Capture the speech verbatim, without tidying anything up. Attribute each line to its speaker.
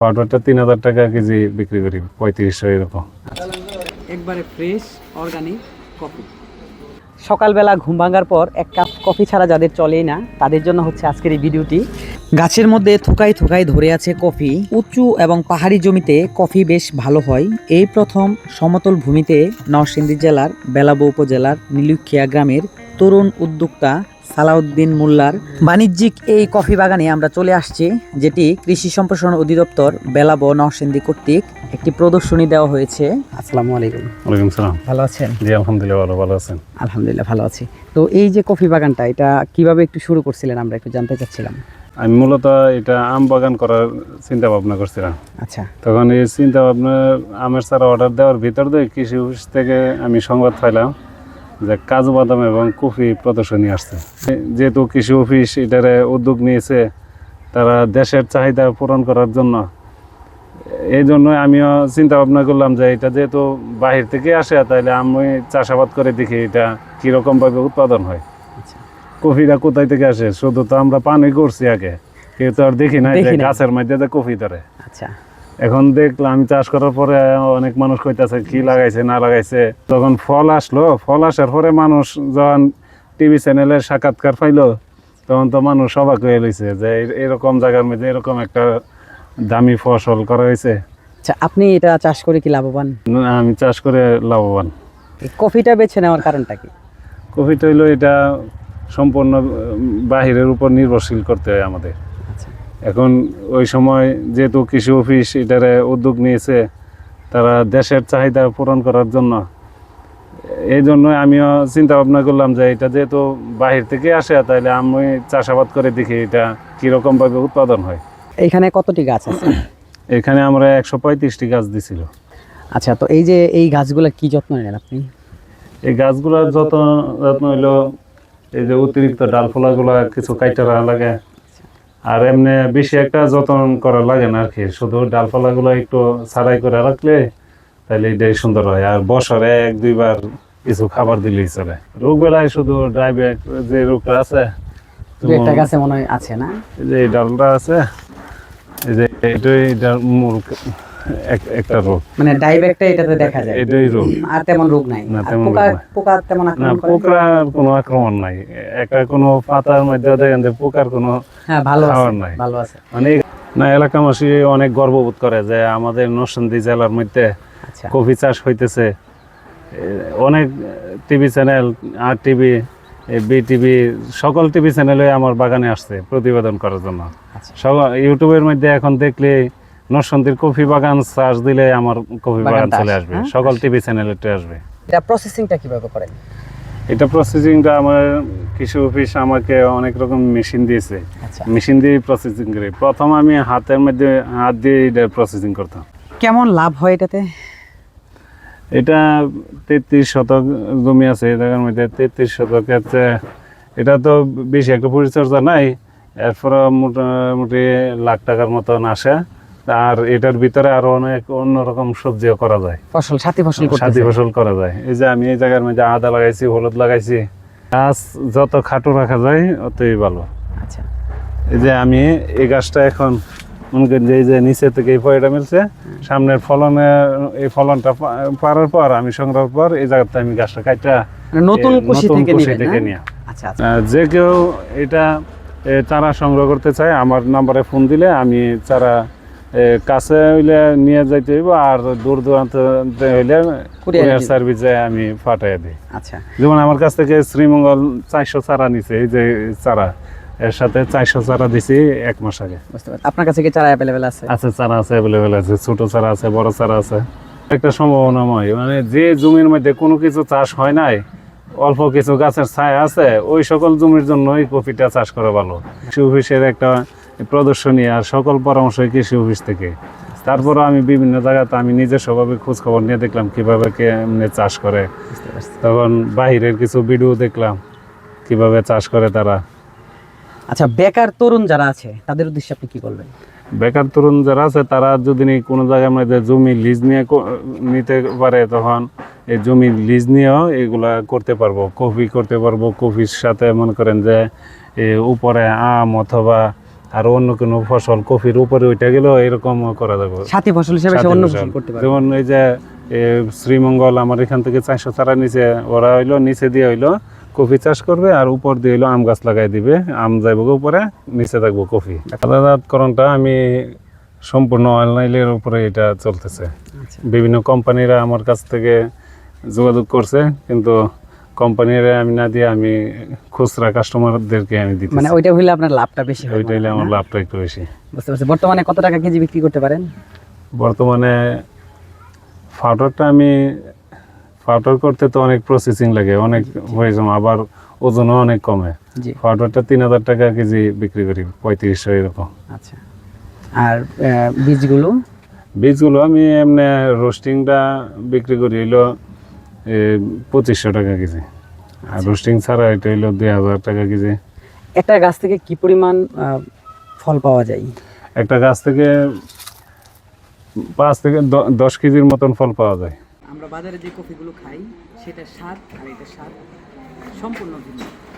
Speaker 1: পাউডারটা তিন হাজার টাকা কেজি বিক্রি করি, পঁয়ত্রিশশো এরকম।
Speaker 2: একবারে ফ্রেশ অর্গানিক কফি। সকালবেলা ঘুম ভাঙার পর এক কাপ কফি ছাড়া যাদের চলেই না, তাদের জন্য হচ্ছে আজকের এই ভিডিওটি। গাছের মধ্যে থোকায় থোকায় ধরে আছে কফি। উঁচু এবং পাহাড়ি জমিতে কফি বেশ ভালো হয়। এই প্রথম সমতল ভূমিতে নরসিংদী জেলার বেলাবো উপজেলার নীলুখিয়া গ্রামের তরুণ উদ্যোক্তা সালাউদ্দিন মোল্লার বাণিজ্যিক এই কফি বাগানে আমরা চলে আসছি, যেটি কৃষি সম্প্রসারণ অধিদপ্তর বেলাবো নরসিংদী কর্তৃক একটি প্রদর্শনী দেওয়া হয়েছে। আসসালামু আলাইকুম।
Speaker 1: ওয়ালাইকুম সালাম।
Speaker 2: ভালো আছেন?
Speaker 1: জি আলহামদুলিল্লাহ, ভালো ভালো আছেন?
Speaker 2: আলহামদুলিল্লাহ ভালো আছি। তো এই যে কফি বাগানটা, এটা কিভাবে একটু শুরু করছিলেন আমরা একটু জানতে চাচ্ছিলাম।
Speaker 1: আমি মূলত এটা আম বাগান করার চিন্তা ভাবনা করছিলাম।
Speaker 2: আচ্ছা।
Speaker 1: তখন এই চিন্তা ভাবনা আমের চারা অর্ডার দেওয়ার ভিতর দিয়ে কৃষি অফিস থেকে আমি সংবাদ পাইলাম যে কাজু বাদাম এবং কফি প্রদর্শনী আসছে। যেহেতু কৃষি অফিস এটারে উদ্যোগ নিয়েছে তারা দেশের চাহিদা পূরণ করার জন্য, এই জন্যই আমিও চিন্তা ভাবনা করলাম যে এটা যেহেতু বাহির থেকে আসে, তাইলে আমি চাষাবাদ করে দেখি এটা কীরকমভাবে উৎপাদন হয়। কফিটা কোথায় থেকে আসে? শুধু তো আমরা পানি করছি আগে, কেউ তো আর দেখি না যে গাছের মধ্যে যে কফি ধরে।
Speaker 2: আচ্ছা।
Speaker 1: এখন দেখলাম আমি চাষ করার পরে অনেক মানুষ কইতাছে কি লাগাইছে না লাগাইছে। তখন ফল আসলো, ফল আসার পরে মানুষ যখন টিভি চ্যানেলের সাক্ষাৎকার পাইলো, তখন তো মানুষ অবাক হয়ে লইছে যে এরকম জায়গার মধ্যে এরকম একটা দামি ফসল করা হয়েছে।
Speaker 2: আচ্ছা, আপনি এটা চাষ করে কি লাভবান?
Speaker 1: আমি চাষ করে লাভবান।
Speaker 2: কফিটা বেছে নেওয়ার কারণটা কি?
Speaker 1: কফিটা হইলো এটা সম্পূর্ণ বাহিরের উপর নির্ভরশীল করতে হয় আমাদের। এখন ওই সময় যেহেতু কৃষি অফিস এটারে উদ্যোগ নিয়েছে তারা দেশের চাহিদা পূরণ করার জন্য, এই জন্যই আমিও চিন্তা ভাবনা করলাম যে এটা যেহেতু বাহির থেকে আসে, তাইলে আমি চাষাবাদ করে দেখি এটা কীরকমভাবে উৎপাদন হয়।
Speaker 2: এইখানে কতটি গাছ আছে?
Speaker 1: এখানে আমরা একশো পঁয়ত্রিশটি গাছ দিছিল।
Speaker 2: আচ্ছা, তো এই যে এই গাছগুলোর কি যত্ন নেন আপনি?
Speaker 1: এই গাছগুলোর যত্ন যত্ন হইলো এই যে অতিরিক্ত ডালফলাগুলো কিছু কাইটা রাখা লাগে, আর এমনি বেশি একটা যত্ন করা লাগে না আর কি। শুধু ডালপালাগুলো একটু ছাড়াই করে রাখলে তাহলে এটাই সুন্দর হয়। আর বছরে এক দুইবার কিছু খাবার দিলেই চলে। রোগ বেলায় শুধু ড্রাইব্যাক যে রোগটা আছে,
Speaker 2: একটা গাছে মনে হয় আছে না,
Speaker 1: এই যে এই ডালটা আছে, এই যে এটাই এটার মূল একটা রোগ,
Speaker 2: মানে ডাইব্যাকটা এটাতে দেখা যায়,
Speaker 1: এটাই রোগ।
Speaker 2: আর তেমন রোগ নাই।
Speaker 1: না তেমন
Speaker 2: পোকা পোকা তেমন আক্রমণ করে না?
Speaker 1: পোকার কোনো আক্রমণ নাই। একটা কোনো পাতার মধ্যে দেখেন যে পোকার কোনো
Speaker 2: হ্যাঁ ভালো
Speaker 1: খাবার
Speaker 2: আছে,
Speaker 1: নাই।
Speaker 2: ভালো আছে।
Speaker 1: মানে না, এলাকাবাসী অনেক গর্ববোধ করে যে আমাদের নরসিংদী জেলার মধ্যে
Speaker 2: আচ্ছা
Speaker 1: কফি চাষ হইতেছে। অনেক টিভি চ্যানেল, আর টিভি, বি টিভি, সকল টিভি চ্যানেলে আমার বাগানে আসছে প্রতিবেদন করার জন্য। সব ইউটিউবের মধ্যে এখন দেখলে নরসিংদীর কফি বাগান চাষ দিলে আমার কফি বাগান চলে আসবে, সকল টিভি চ্যানেলে আসবে।
Speaker 2: এটা প্রসেসিংটা কিভাবে করেন?
Speaker 1: এটা প্রসেসিংটা আমার কৃষি অফিস আমাকে অনেক রকম মেশিন দিয়েছে, মেশিন দিয়ে প্রসেসিং করি। প্রথম আমি হাতের মধ্যে হাত দিয়ে এটা প্রসেসিং করতাম।
Speaker 2: কেমন লাভ হয় এটাতে?
Speaker 1: এটা তেত্রিশ শতক জমি আছে এই জায়গার মধ্যে। তেত্রিশ শতকের এটা তো বেশি একটা পরিচর্যা নাই, এরপর মোটামুটি লাখ টাকার মতন আসে। আর এটার ভিতরে আরো অনেক অন্যরকম সবজিও করা যায়,
Speaker 2: ফসল সাথী ফসল
Speaker 1: সাথী ফসল করা যায়। এই যে আমি এই জায়গার মধ্যে আদা লাগাইছি, হলুদ লাগাইছি। গাছ যত খাটো রাখা যায় অতই ভালো।
Speaker 2: আচ্ছা,
Speaker 1: এই যে আমি এই গাছটা এখন মনে করেন যে এই যে নিচে থেকে এই ফলটা মিলছে, সামনের ফলনে এই ফলনটা পারার পর আমি সংগ্রহ পর এই জায়গাতে আমি গাছটা কাটা
Speaker 2: নতুন কুশি থেকে
Speaker 1: নিয়ে।
Speaker 2: আচ্ছা,
Speaker 1: যে কেউ এটা চারা সংগ্রহ করতে চায় আমার নাম্বারে ফোন দিলে আমি চারা কাছে হইলে নিয়ে যাইতে হইব, আর দূর দূরান্ত হইলে কুরিয়ার সার্ভিসে আমি পাঠাই দিই।
Speaker 2: আচ্ছা,
Speaker 1: যেমন আমার কাছ থেকে শ্রীমঙ্গল চারশো চারা নিছে, এই যে চারা এর সাথে চারশো চারা দিছি এক মাস আগে।
Speaker 2: আপনার কাছে কি চারা অ্যাভেলেবেল আছে?
Speaker 1: আছে, চারা আছে, অ্যাভেলেবেল আছে। ছোট চারা আছে, বড় চারা আছে। একটা সম্ভাবনাময়, মানে যে জমির মধ্যে কোনো কিছু চাষ হয় নাই, অল্প কিছু গাছের ছায়া আছে, ওই সকল জমির জন্যই কফিটা চাষ করা ভালো। কৃষি অফিসের একটা প্রদর্শনী আর সকল পরামর্শ কৃষি অফিস থেকে। তারপরে আমি বিভিন্ন জায়গাতে আমি নিজের স্বভাবে খোঁজ খবর নিয়ে দেখলাম কিভাবে কেমনে চাষ করে। তখন বাহিরের কিছু ভিডিও দেখলাম কিভাবে চাষ করে তারা।
Speaker 2: আচ্ছা, বেকার তরুণ যারা আছে তাদের উদ্দেশ্যে আপনি কি বলবেন?
Speaker 1: বেকার তরুণ যারা আছে তারা যদি কোনো জায়গার মধ্যে জমি লিজ নিয়ে নিতে পারে, তখন এই জমি লিজ নিয়েও এগুলা করতে পারবো, কফি করতে পারবো। কফির সাথে মনে করেন যে উপরে আম অথবা আর অন্য কোনো ফসল কফির উপরে ওইটা গেলেও এরকম করা যাবে।
Speaker 2: সাথী ফসল হিসেবে সে
Speaker 1: সাথী
Speaker 2: অন্য
Speaker 1: ফসল।
Speaker 2: ফসল করতে পারে।
Speaker 1: যেমন এই যে এ, শ্রীমঙ্গল আমার এখান থেকে চারশো চারা নিচে ওরা হইলো নিচে দিয়ে হইলো কফি চাষ করবে আর উপর দিয়ে হইলো আম গাছ লাগাই দিবে, আম যাইব উপরে, নিচে থাকবো কফি। আলাদাকরণটা আমি সম্পূর্ণ অনলাইনের উপরে এটা চলতেছে।
Speaker 2: আচ্ছা।
Speaker 1: বিভিন্ন কোম্পানিরা আমার কাছ থেকে যোগাযোগ করছে, কিন্তু কোম্পানিরা আমি না দিয়ে আমি খুচরা কাস্টমারদেরকে আমি দিতে,
Speaker 2: মানে ওইটা হইলে আপনার লাভটা বেশি হয়।
Speaker 1: ওইটা হইলে আমার লাভটা একটু বেশি।
Speaker 2: বুঝতে পারছি। বর্তমানে কত টাকা কেজি বিক্রি করতে পারেন?
Speaker 1: বর্তমানে পাউডারটা আমি পাউডার করতে তো অনেক প্রসেসিং লাগে, অনেক হয়ে যাবে, আবার ওজনও অনেক কমে।
Speaker 2: জি।
Speaker 1: পাউডারটা তিন হাজার টাকা কেজি বিক্রি করি, পঁয়ত্রিশশো এরকম।
Speaker 2: আচ্ছা। আর আহ, বীজগুলো?
Speaker 1: বীজগুলো আমি এমনি রোস্টিংটা বিক্রি করি হইলো এ, পঁচিশশো টাকা কেজি, আর রোস্টিং ছাড়া এটা হইলো দুই হাজার টাকা কেজি।
Speaker 2: একটা গাছ থেকে কি পরিমাণ আহ, ফল পাওয়া যায়?
Speaker 1: একটা গাছ থেকে পাঁচ থেকে দ- দশ কেজির মতন ফল পাওয়া যায়।
Speaker 2: আমরা বাজারে যে কফিগুলো খাই সেটার স্বাদ আর এটার স্বাদ সম্পূর্ণ ভিন্ন।